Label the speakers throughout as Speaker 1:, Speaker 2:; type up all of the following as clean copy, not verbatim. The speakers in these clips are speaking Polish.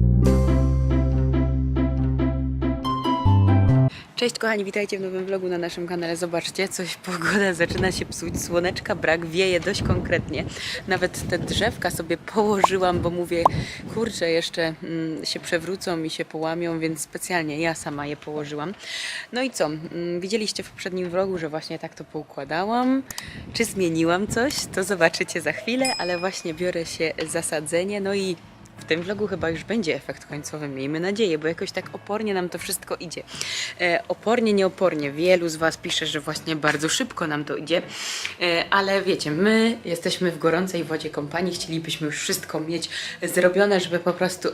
Speaker 1: Cześć kochani, witajcie w nowym vlogu na naszym kanale. Zobaczcie, pogoda zaczyna się psuć, słoneczka brak, wieje dość konkretnie. Nawet te drzewka sobie położyłam, bo mówię, kurczę, jeszcze się przewrócą i się połamią, więc specjalnie ja sama je położyłam. No i co, widzieliście w poprzednim vlogu, że właśnie tak to poukładałam. Czy zmieniłam coś? To zobaczycie za chwilę, ale właśnie biorę się za sadzenie, no i w tym vlogu chyba już będzie efekt końcowy, miejmy nadzieję, bo jakoś tak opornie nam to wszystko idzie. Opornie, nieopornie. Wielu z Was pisze, że właśnie bardzo szybko nam to idzie, ale wiecie, my jesteśmy w gorącej wodzie kompanii, chcielibyśmy już wszystko mieć zrobione, żeby po prostu,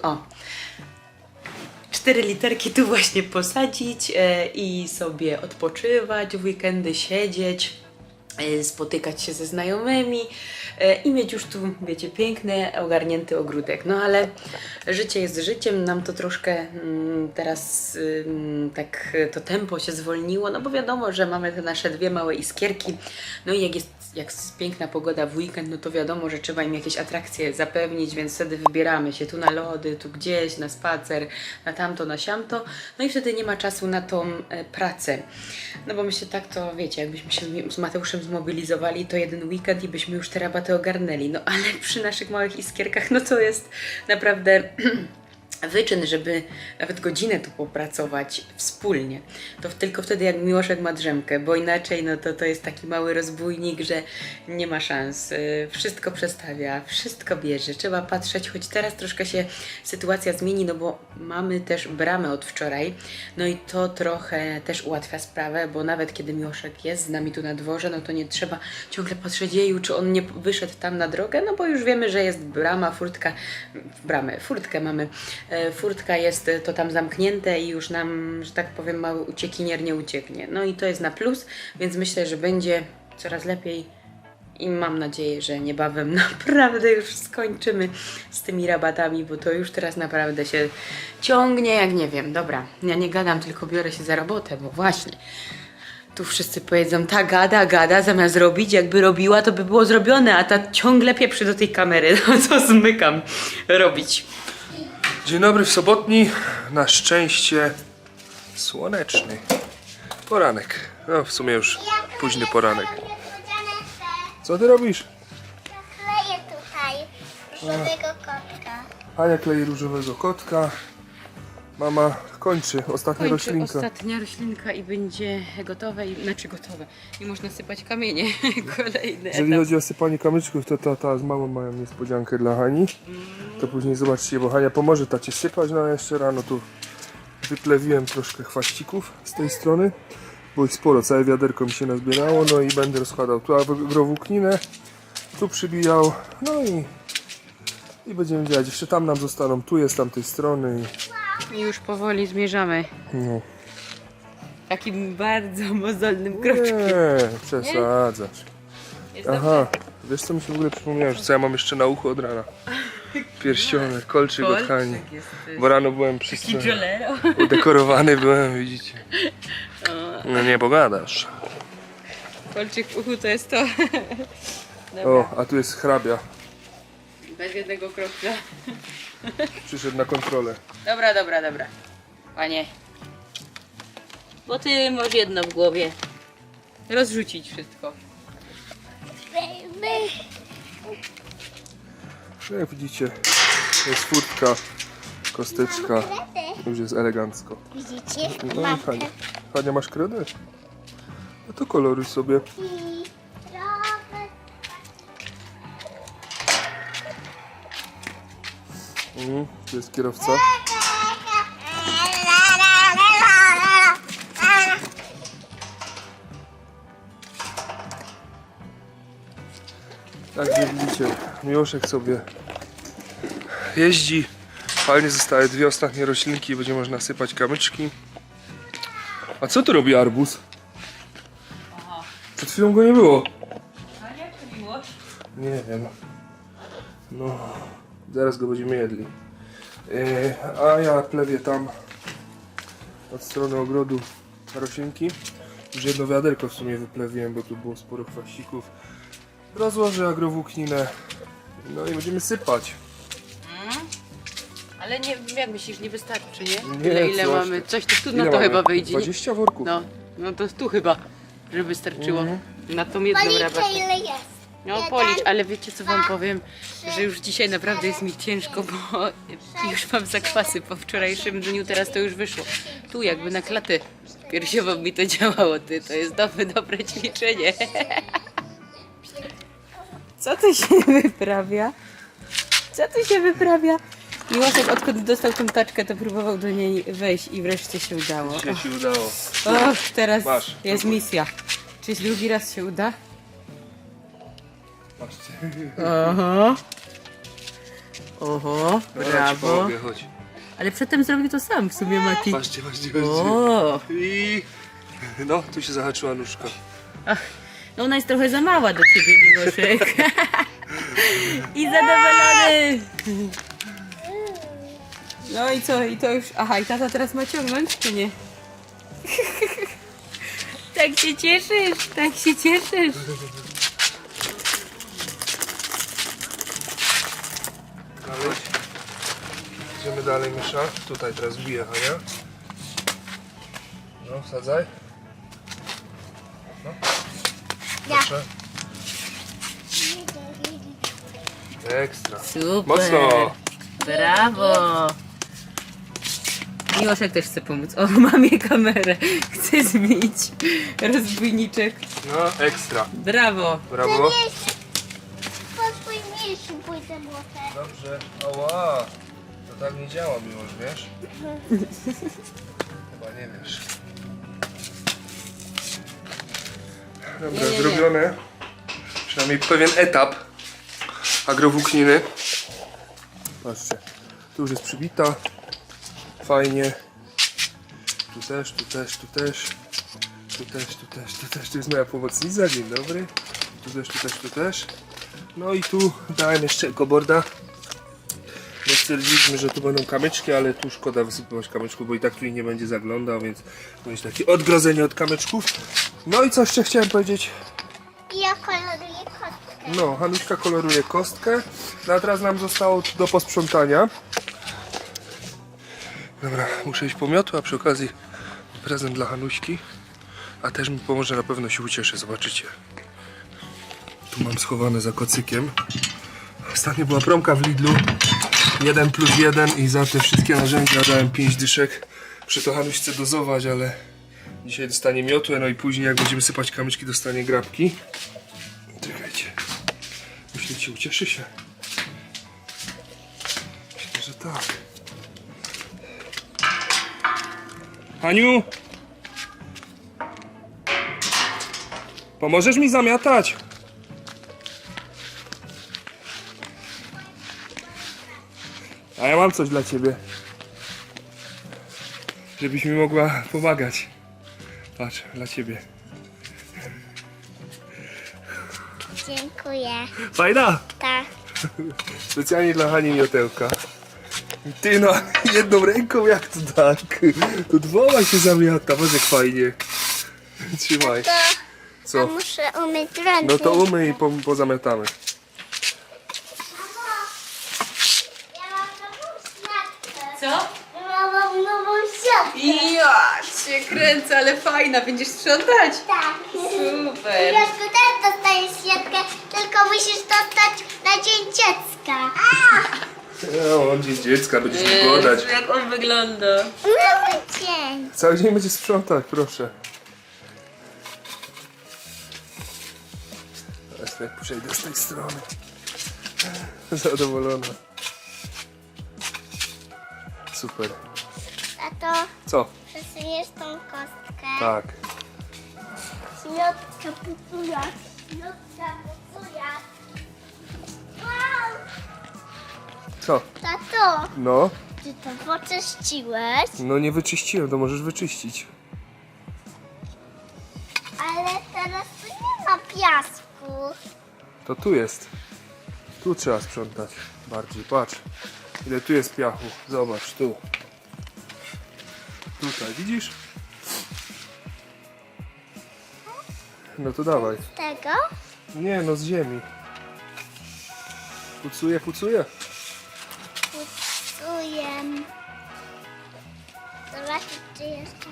Speaker 1: 4 literki tu właśnie posadzić i sobie odpoczywać, w weekendy siedzieć, spotykać się ze znajomymi i mieć już tu, wiecie, piękny, ogarnięty ogródek. No ale życie jest życiem, nam to troszkę teraz tak to tempo się zwolniło, no bo wiadomo, że mamy te nasze dwie małe iskierki, no i jak jest piękna pogoda w weekend, no to wiadomo, że trzeba im jakieś atrakcje zapewnić, więc wtedy wybieramy się tu na lody, tu gdzieś, na spacer, na tamto, na siamto, no i wtedy nie ma czasu na tą pracę. No bo myślę tak, to wiecie, jakbyśmy się z Mateuszem zmobilizowali, to jeden weekend i byśmy już te rabaty ogarnęli, no ale przy naszych małych iskierkach, no to jest naprawdę wyczyn, żeby nawet godzinę tu popracować wspólnie. To tylko wtedy, jak Miłoszek ma drzemkę, bo inaczej no to jest taki mały rozbójnik, że nie ma szans. Wszystko przestawia, wszystko bierze. Trzeba patrzeć, choć teraz troszkę się sytuacja zmieni, no bo mamy też bramę od wczoraj, no i to trochę też ułatwia sprawę, bo nawet kiedy Miłoszek jest z nami tu na dworze, no to nie trzeba ciągle patrzeć, jeju, czy on nie wyszedł tam na drogę, no bo już wiemy, że jest brama, furtka, furtkę mamy. Furtka jest to tam zamknięte i już nam, że tak powiem, mały uciekinier nie ucieknie. No i to jest na plus, więc myślę, że będzie coraz lepiej i mam nadzieję, że niebawem naprawdę już skończymy z tymi rabatami, bo to już teraz naprawdę się ciągnie jak nie wiem. Dobra, ja nie gadam, tylko biorę się za robotę, bo właśnie tu wszyscy powiedzą, ta gada, zamiast robić, jakby robiła, to by było zrobione, a ta ciągle pieprzy do tej kamery, no co zmykam robić.
Speaker 2: Dzień dobry w sobotni, na szczęście słoneczny poranek. No w sumie już późny poranek. Co ty robisz?
Speaker 3: Kleję tutaj różowego kotka.
Speaker 2: Ania klei różowego kotka. Mama kończy ostatnia roślinka.
Speaker 1: Ostatnia roślinka i będzie gotowe, gotowe. I można sypać kamienie. Kolejny
Speaker 2: Jeżeli
Speaker 1: etap.
Speaker 2: chodzi o sypanie kamyczków, to tata z mamą mają niespodziankę dla Hani. To później zobaczcie, bo Hania pomoże tacie sypać. No a jeszcze rano tu wyplewiłem troszkę chwaścików z tej strony, bo ich sporo, całe wiaderko mi się nazbierało. No i będę rozkładał tu agrowłókninę, tu przybijał, no i będziemy działać. Jeszcze tam nam zostaną, tu jest z tamtej strony.
Speaker 1: I już powoli zmierzamy.
Speaker 2: No.
Speaker 1: Takim bardzo mozolnym kroczkiem.
Speaker 2: Nie, przesadzasz.
Speaker 1: Jest
Speaker 2: Aha, wiesz co mi się w ogóle przypomniało, że co ja mam jeszcze na uchu od rana? Pierścionek, kolczyk od Hani.
Speaker 1: jest
Speaker 2: Bo rano byłem
Speaker 1: taki jolero.
Speaker 2: udekorowany byłem, widzicie. No nie pogadasz.
Speaker 1: Kolczyk w uchu to jest to.
Speaker 2: O, a tu jest hrabia.
Speaker 1: Bez jednego kropla.
Speaker 2: Przyszedł na kontrolę.
Speaker 1: Dobra. Panie. Bo ty masz jedno w głowie. Rozrzucić wszystko.
Speaker 2: No jak widzicie, jest furtka, kosteczka. Już jest elegancko.
Speaker 3: Widzicie?
Speaker 2: No
Speaker 3: Mam
Speaker 2: i Hania. Hania, masz kredę? No to koloruj sobie. Tu jest kierowca. Tak jak widzicie, Miłoszek sobie jeździ. Fajnie zostały dwie ostatnie roślinki, będzie można sypać kamyczki. A co tu robi arbuz? Przed chwilą go nie było.
Speaker 1: A jak to miłość?
Speaker 2: Nie wiem. No, zaraz go będziemy jedli. A ja plewię tam od strony ogrodu roślinki. Już jedno wiaderko w sumie wyplewiłem, bo tu było sporo chwaścików. Rozłożę agrowłókninę. No i będziemy sypać.
Speaker 1: Ale Ale nie, jak myślisz, nie wystarczy, nie?
Speaker 2: Nie,
Speaker 1: ile
Speaker 2: coś
Speaker 1: mamy?
Speaker 2: ty.
Speaker 1: Coś tu
Speaker 2: Ile
Speaker 1: na to
Speaker 2: mamy?
Speaker 1: chyba wyjdzie. Nie?
Speaker 2: 20 worków.
Speaker 1: No to tu chyba, żeby wystarczyło. Na tą jedną
Speaker 3: Policzę
Speaker 1: rabatę.
Speaker 3: ile jest.
Speaker 1: No
Speaker 3: Jeden,
Speaker 1: policz, ale wiecie co wam powiem?
Speaker 3: trzy,
Speaker 1: Że już dzisiaj naprawdę jest mi ciężko, bo już mam zakwasy po wczorajszym dniu, teraz to już wyszło. Tu jakby na klatę piersiową mi to działało, ty, to jest dobre ćwiczenie. Co tu się wyprawia? Co tu się wyprawia? Miłosek odkąd dostał tą taczkę, to próbował do niej wejść i wreszcie się udało.
Speaker 2: Dzisiaj się udało.
Speaker 1: Och, teraz
Speaker 2: Masz,
Speaker 1: jest
Speaker 2: próbuj.
Speaker 1: misja. Czy drugi raz się uda?
Speaker 2: Patrzcie.
Speaker 1: Oho. Oho,
Speaker 2: Dobra, ci
Speaker 1: brawo.
Speaker 2: pomogę, chodź.
Speaker 1: Ale przedtem zrobił to sam w sumie, Mati.
Speaker 2: Patrzcie.
Speaker 1: O,
Speaker 2: I... No, tu się zahaczyła nóżka.
Speaker 1: no ona jest trochę za mała do ciebie, Miłoszek. I zadowolony. No i co? I to już... Aha, i tata teraz ma ciągnąć, czy nie? Tak się cieszysz, tak się cieszysz.
Speaker 2: Dalej. Idziemy dalej, Mysza. Tutaj teraz bije Hania. No, wsadzaj. No. Proszę. Ekstra.
Speaker 1: Super.
Speaker 2: Mocno.
Speaker 1: Brawo. Miłoszek też chce pomóc. O, mamie kamerę. Chce zbić rozbójniczek.
Speaker 2: No, ekstra.
Speaker 1: Brawo.
Speaker 2: Brawo.
Speaker 3: Po twój mniejszy pójdę młotek.
Speaker 2: Dobrze. Ała. To tak nie działa, Miłosz, wiesz? Chyba nie wiesz. Dobra,
Speaker 1: Nie.
Speaker 2: zrobione. Przynajmniej pewien etap agrowłókniny. Patrzcie, tu już jest przybita. Fajnie. Tu też, tu też, tu też. Tu też, tu też, tu też. Tu jest moja pomocnica, dzień dobry. Tu też, tu też, tu też. No i tu dałem jeszcze ekoborda. Bo stwierdziliśmy, że tu będą kamyczki, ale tu szkoda wysypywać kamyczków, bo i tak tu nie będzie zaglądał, więc będzie takie odgrodzenie od kamyczków. No i co jeszcze chciałem powiedzieć?
Speaker 3: I ja koloruję kostkę.
Speaker 2: No, Hanuśka koloruje kostkę. No a teraz nam zostało do posprzątania. Dobra, muszę iść po miotły, a przy okazji prezent dla Hanuśki. A też mi pomoże, na pewno się ucieszy, zobaczycie. Tu mam schowane za kocykiem. Ostatnio była promka w Lidlu. 1+1 i za te wszystkie narzędzia dałem 5 dyszek. Muszę to Hanuśce dozować, ale dzisiaj dostanie miotłę, no i później jak będziemy sypać kamyczki, dostanie grabki. Czekajcie. Myślicie, ucieszy się? Myślę, że tak. Haniu! Pomożesz mi zamiatać? A ja mam coś dla ciebie. Żebyś mi mogła pomagać. Patrz, dla ciebie.
Speaker 3: Dziękuję.
Speaker 2: Fajna!
Speaker 3: Tak.
Speaker 2: Specjalnie dla Hani miotełka. Ty no, jedną ręką jak to tak? To dwoma się zamiata, patrz jak fajnie. Trzymaj.
Speaker 3: To
Speaker 2: Co?
Speaker 3: muszę umyć ręce.
Speaker 2: No to umyj i pozamiatamy.
Speaker 3: Ja mam nową siatkę.
Speaker 1: Co?
Speaker 3: Ja mam nową siatkę.
Speaker 1: Ja się kręcę, ale fajna. Będziesz sprzątać?
Speaker 3: Tak.
Speaker 1: Super.
Speaker 3: Wiesz, tu też dostajesz siatkę, tylko musisz dostać na dzień dziecka.
Speaker 2: No, on dziś dziecka, będziesz mi godać.
Speaker 1: Jak on wygląda.
Speaker 3: Cały dzień.
Speaker 2: Cały dzień będzie sprzątać, proszę. Teraz jak przejdę z tej strony. Zadowolona. Super.
Speaker 3: Tato,
Speaker 2: Co?
Speaker 3: przesuniesz tą kostkę.
Speaker 2: Tak.
Speaker 3: Środka pucuja. Środka pucuja. Wow!
Speaker 2: Co?
Speaker 3: Tato,
Speaker 2: No?
Speaker 3: ty to poczyściłeś?
Speaker 2: No nie wyczyściłem, to możesz wyczyścić.
Speaker 3: Ale teraz tu nie ma piasku.
Speaker 2: To tu jest. Tu trzeba sprzątać bardziej, patrz. Ile tu jest piachu. Zobacz, tu. Tutaj, widzisz? No to dawaj.
Speaker 3: Z tego?
Speaker 2: Nie, no z ziemi. Pucuję, pucuję.
Speaker 3: Pucuję. Czy jeszcze?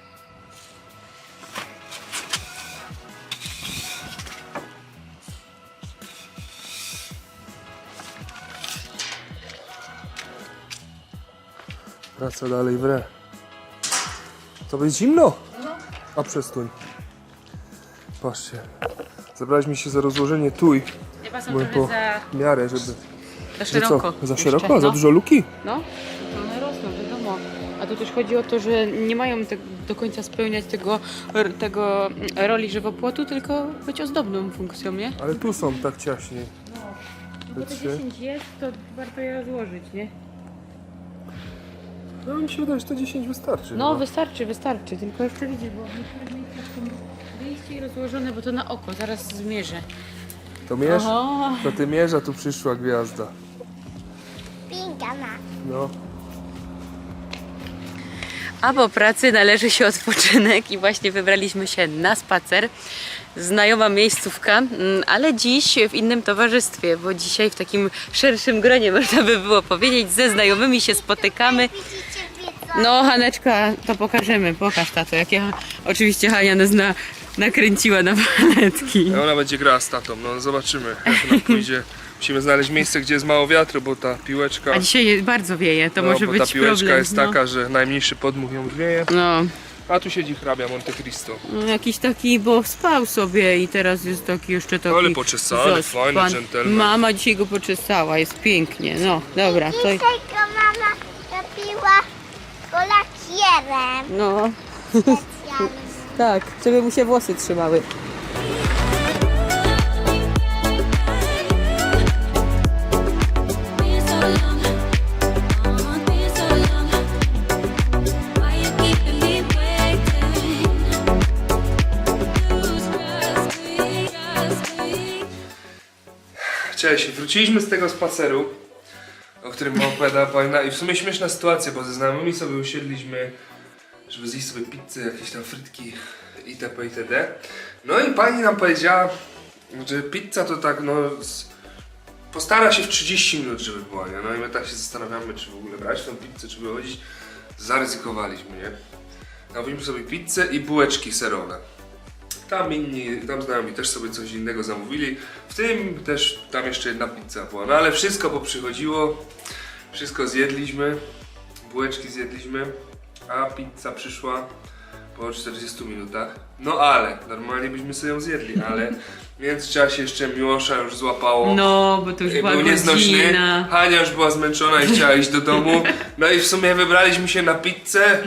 Speaker 2: Praca dalej wre. To będzie zimno? A przestań. Patrzcie. Zabraliśmy się za rozłożenie tuj.
Speaker 1: Chyba są
Speaker 2: Byłem
Speaker 1: trochę
Speaker 2: po miarę, żeby...
Speaker 1: za
Speaker 2: Że
Speaker 1: szeroko.
Speaker 2: co? Za
Speaker 1: jeszcze,
Speaker 2: szeroko? Za
Speaker 1: no.
Speaker 2: dużo luki?
Speaker 1: No, one rosną, wiadomo. A tu też chodzi o to, że nie mają do końca spełniać tego roli żywopłotu, tylko być ozdobną funkcją, nie?
Speaker 2: Ale tu są tak ciaśniej.
Speaker 1: Bo te 10 jest, to warto je rozłożyć, nie?
Speaker 2: No mi się wydaje, że to 10 wystarczy.
Speaker 1: No,
Speaker 2: chyba.
Speaker 1: wystarczy. Tylko jeszcze widzisz, bo w niektórych miejscach są wyjście i rozłożone, bo to na oko, zaraz zmierzę.
Speaker 2: To mierz?
Speaker 1: Oho.
Speaker 2: To ty mierz, a tu przyszła gwiazda.
Speaker 3: Pinka ma.
Speaker 2: No.
Speaker 1: A po pracy należy się odpoczynek i właśnie wybraliśmy się na spacer. Znajoma miejscówka, ale dziś w innym towarzystwie, bo dzisiaj w takim szerszym gronie, można by było powiedzieć, ze znajomymi się spotykamy.
Speaker 3: Widzicie, widzą?
Speaker 1: No, Haneczka, to pokażemy. Pokaż, tato, jak ja... Oczywiście Hania nas nakręciła na paletki.
Speaker 2: A ona będzie grała z tatą, no zobaczymy jak nam pójdzie. Musimy znaleźć miejsce, gdzie jest mało wiatru, bo ta piłeczka...
Speaker 1: A dzisiaj bardzo wieje, to może
Speaker 2: bo
Speaker 1: być
Speaker 2: ta piłeczka
Speaker 1: problem.
Speaker 2: jest taka, że najmniejszy podmuch ją wieje.
Speaker 1: No.
Speaker 2: A tu siedzi hrabia Monte Cristo.
Speaker 1: No, jakiś taki, bo spał sobie i teraz jest taki jeszcze taki...
Speaker 2: Ale poczesany, fajny dżentelmen.
Speaker 1: Mama dzisiaj go poczesała, jest pięknie. No, dobra. To...
Speaker 3: Dzisiaj to mama robiła go lakierem
Speaker 1: No,
Speaker 3: specjalnym.
Speaker 1: tak, żeby mu się włosy trzymały.
Speaker 4: Been so long, been so long. Why you keeping me waiting? Lose trust me.
Speaker 2: Cześć, wróciliśmy z tego spaceru, o którym wam opowiadała Paulina, i w sumie śmieszna sytuacja, bo ze znajomymi sobie usiedliśmy, żeby zjeść sobie pizzę, jakieś tam frytki itp. itd. No i pani nam powiedziała, że pizza to tak postara się w 30 minut, żeby była, nie? No i my tak się zastanawiamy, czy w ogóle brać tą pizzę, czy wychodzić. Zaryzykowaliśmy, nie? Zamówiliśmy sobie pizzę i bułeczki serowe. Tam znajomi też sobie coś innego zamówili. W tym też tam jeszcze jedna pizza była. No ale wszystko poprzychodziło. Wszystko zjedliśmy. Bułeczki zjedliśmy. A pizza przyszła po 40 minutach. No ale, normalnie byśmy sobie ją zjedli, ale w międzyczasie jeszcze Miłosza już złapało.
Speaker 1: No, bo to już była
Speaker 2: Był nieznośny.
Speaker 1: godzina.
Speaker 2: Hania już była zmęczona i chciała iść do domu. No i w sumie wybraliśmy się na pizzę.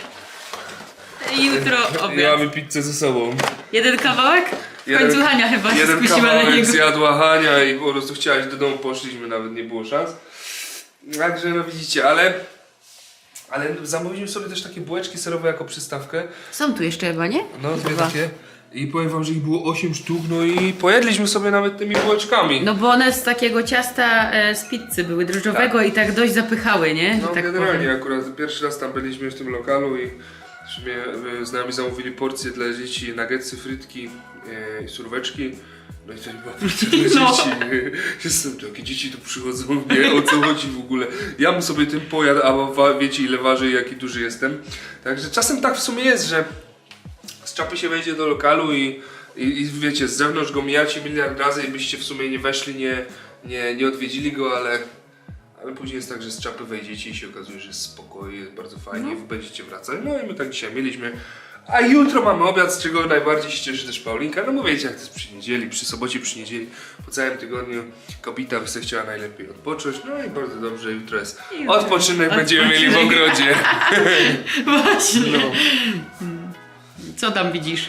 Speaker 1: Jutro
Speaker 2: I
Speaker 1: obiad.
Speaker 2: mamy pizzę ze sobą.
Speaker 1: Jeden kawałek? W końcu Hania chyba się
Speaker 2: jeden
Speaker 1: skusiła na
Speaker 2: kawałek
Speaker 1: niego.
Speaker 2: zjadła Hania i po prostu chciała iść do domu, poszliśmy, nawet nie było szans. Także no widzicie, ale zamówiliśmy sobie też takie bułeczki serowe jako przystawkę.
Speaker 1: Są tu jeszcze chyba, nie?
Speaker 2: No dwie
Speaker 1: Chyba.
Speaker 2: takie. I powiem wam, że ich było 8 sztuk, no i pojedliśmy sobie nawet tymi bułeczkami.
Speaker 1: No bo one z takiego ciasta z pizzy były, drożdżowego i tak dość zapychały, nie?
Speaker 2: No
Speaker 1: Tak
Speaker 2: generalnie
Speaker 1: powiem.
Speaker 2: akurat pierwszy raz tam byliśmy w tym lokalu i w sumie z nami zamówili porcje dla dzieci, nuggetsy, frytki i surweczki. No i to nie była porcja dla
Speaker 1: No.
Speaker 2: dzieci. Jestem, jakie dzieci tu przychodzą, nie, o co chodzi w ogóle. Ja bym sobie tym pojadł, a wiecie ile waży i jaki duży jestem. Także czasem tak w sumie jest, że z czapy się wejdzie do lokalu i wiecie, z zewnątrz go mijacie miliard razy i byście w sumie nie weszli, nie odwiedzili go, ale później jest tak, że z czapy wejdziecie i się okazuje, że jest spokojnie, jest bardzo fajnie i będziecie wracać. No i my tak dzisiaj mieliśmy. A jutro mamy obiad, z czego najbardziej się cieszy też Paulinka. No bo wiecie, jak to jest przy niedzieli, przy sobocie, przy niedzieli, po całym tygodniu kobieta by sobie chciała najlepiej odpocząć. No i bardzo dobrze, jutro jest odpoczynek, będziemy mieli w ogrodzie.
Speaker 1: Właśnie.
Speaker 2: No.
Speaker 1: Co tam widzisz?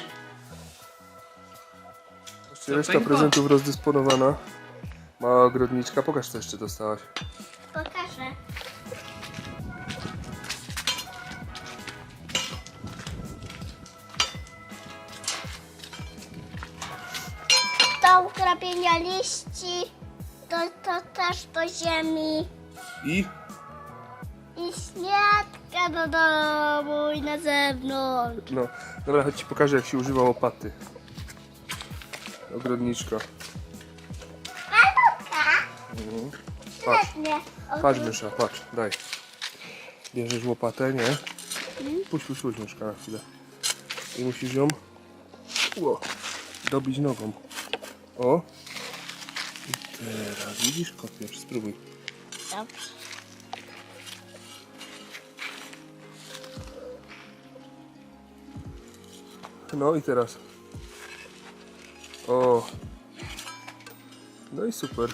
Speaker 2: Reszta
Speaker 1: Paulinko?
Speaker 2: prezentów rozdysponowana. Mała ogrodniczka, pokaż co jeszcze dostałaś.
Speaker 3: Pokażę. Do ugrabienia liści, to też do ziemi
Speaker 2: I
Speaker 3: i śniadka do domu i na zewnątrz.
Speaker 2: no, dobra, chodź ci pokażę jak się używa łopaty. Ogrodniczka. Patrz,
Speaker 3: Świetnie.
Speaker 2: patrz mysza, patrz, daj. Bierzesz łopatę, nie? Puść nóżka na chwilę. I musisz ją dobić nogą. O! I teraz widzisz, kopiesz, spróbuj.
Speaker 3: Dobrze.
Speaker 2: No i teraz. O! No i super.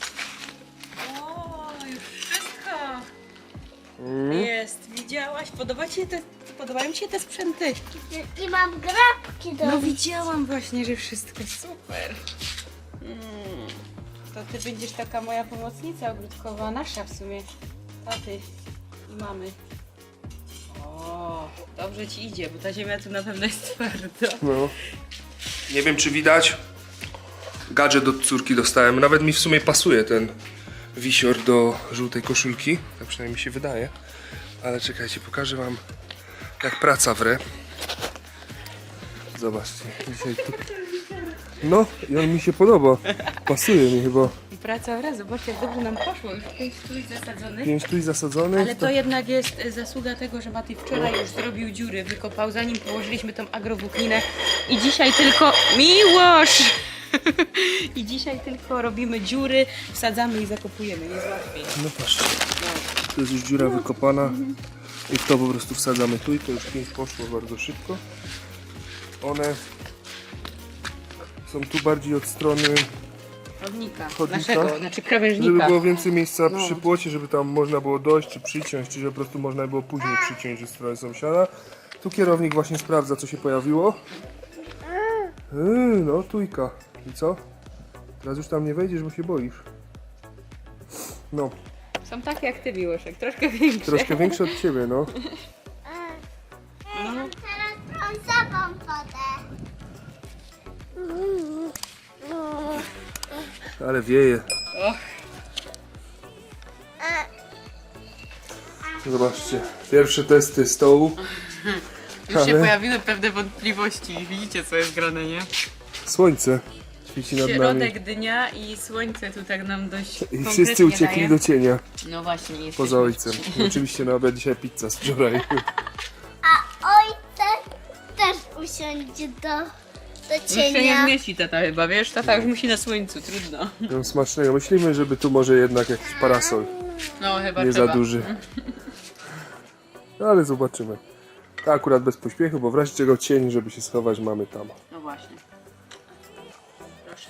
Speaker 1: O, już wszystko jest. Widziałaś? Podobają Ci się te sprzęty?
Speaker 3: I mam grabki do
Speaker 1: No widziałam właśnie, że wszystko super. To Ty będziesz taka moja pomocnica ogródkowa, nasza w sumie. Taty i mamy. O, dobrze Ci idzie, bo ta ziemia tu na pewno jest twarda.
Speaker 2: No. Nie wiem, czy widać. Gadżet od córki dostałem. Nawet mi w sumie pasuje ten wisior do żółtej koszulki. Tak przynajmniej mi się wydaje. Ale czekajcie, pokażę wam, jak praca wre. Zobaczcie. Dzisiaj tu... No, i on mi się podoba. Pasuje mi chyba.
Speaker 1: I praca wraz, zobaczcie jak dobrze nam poszło. Już 5 trój zasadzonych.
Speaker 2: 5 tu zasadzonych.
Speaker 1: Ale to jednak jest zasługa tego, że Mati wczoraj już zrobił dziury, wykopał, zanim położyliśmy tą agrowłókninę. I dzisiaj tylko... Miłosz! I dzisiaj tylko robimy dziury, wsadzamy i zakopujemy, jest łatwiej.
Speaker 2: No patrzcie. Tu jest już dziura wykopana. I w to po prostu wsadzamy tu i to już 5 poszło bardzo szybko. One są tu bardziej od strony,
Speaker 1: Chodnika,
Speaker 2: Chodnika?
Speaker 1: naszego, znaczy
Speaker 2: żeby
Speaker 1: krawężnika.
Speaker 2: było więcej miejsca
Speaker 1: No.
Speaker 2: przy płocie, żeby tam można było dojść czy przyciąć, czy że po prostu można było później przyciąć ze strony sąsiada. Tu kierownik właśnie sprawdza, co się pojawiło. No, tujka. I co? Teraz już tam nie wejdziesz, bo się boisz. No,
Speaker 1: Są takie jak Ty, Miłoszek, troszkę większe.
Speaker 2: troszkę większe od ciebie, no.
Speaker 3: Teraz brązową wodę.
Speaker 2: Ale wieje.
Speaker 1: Och.
Speaker 2: Zobaczcie, pierwsze testy stołu.
Speaker 1: Już się
Speaker 2: Ale-
Speaker 1: pojawiły pewne wątpliwości. Widzicie, co jest grane, nie?
Speaker 2: Słońce świeci nad nami.
Speaker 1: Środek dnia i słońce tu tak nam dość
Speaker 2: I
Speaker 1: konkretnie
Speaker 2: wszyscy uciekli
Speaker 1: daje.
Speaker 2: do cienia.
Speaker 1: No właśnie, jesteśmy
Speaker 2: Poza ojcem. I oczywiście na obiad dzisiaj pizza z wczoraj.
Speaker 3: A ojciec też usiądzie do
Speaker 1: Już się nie
Speaker 3: cienia.
Speaker 1: zmieści tata chyba, wiesz? Tata już musi na słońcu, trudno.
Speaker 2: No, smacznego. Myślimy, żeby tu może jednak jakiś parasol.
Speaker 1: No chyba
Speaker 2: Nie
Speaker 1: trzeba.
Speaker 2: za duży. No, ale zobaczymy. To akurat bez pośpiechu, bo w razie czego cień, żeby się schować, mamy tam.
Speaker 1: No właśnie. Proszę.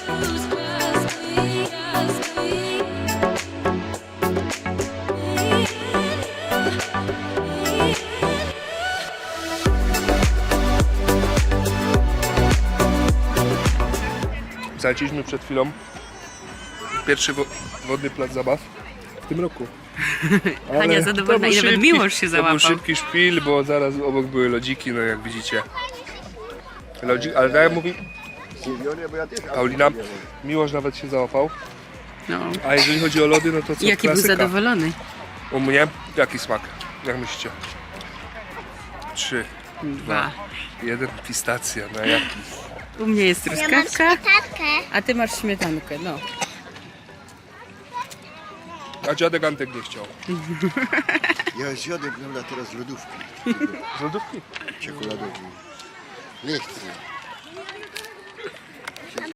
Speaker 2: Zaleciliśmy przed chwilą pierwszy wodny plac zabaw w tym roku. Ale
Speaker 1: Hania
Speaker 2: to
Speaker 1: zadowolona
Speaker 2: był
Speaker 1: i nawet Miłosz się
Speaker 2: To
Speaker 1: załapał.
Speaker 2: był szybki szpil, bo zaraz obok były lodziki, no jak widzicie. Lodzik, ale tak jak mówi Paulina, Miłosz nawet się załapał.
Speaker 1: No.
Speaker 2: A jeżeli chodzi o lody, no to co?
Speaker 1: Jaki był
Speaker 2: klasyka.
Speaker 1: zadowolony.
Speaker 2: U mnie? Jaki smak? Jak myślicie? 3,
Speaker 1: 2.
Speaker 2: 1, pistacja, no jaki?
Speaker 1: U mnie jest
Speaker 3: Ja mam
Speaker 1: truskawka,
Speaker 3: śmietankę.
Speaker 1: a ty masz śmietankę, no.
Speaker 2: A dziadek Antek nie chciał.
Speaker 5: Ja zjadłem teraz lodówki
Speaker 2: Z lodówki?
Speaker 5: czekoladowej. Nie chcę.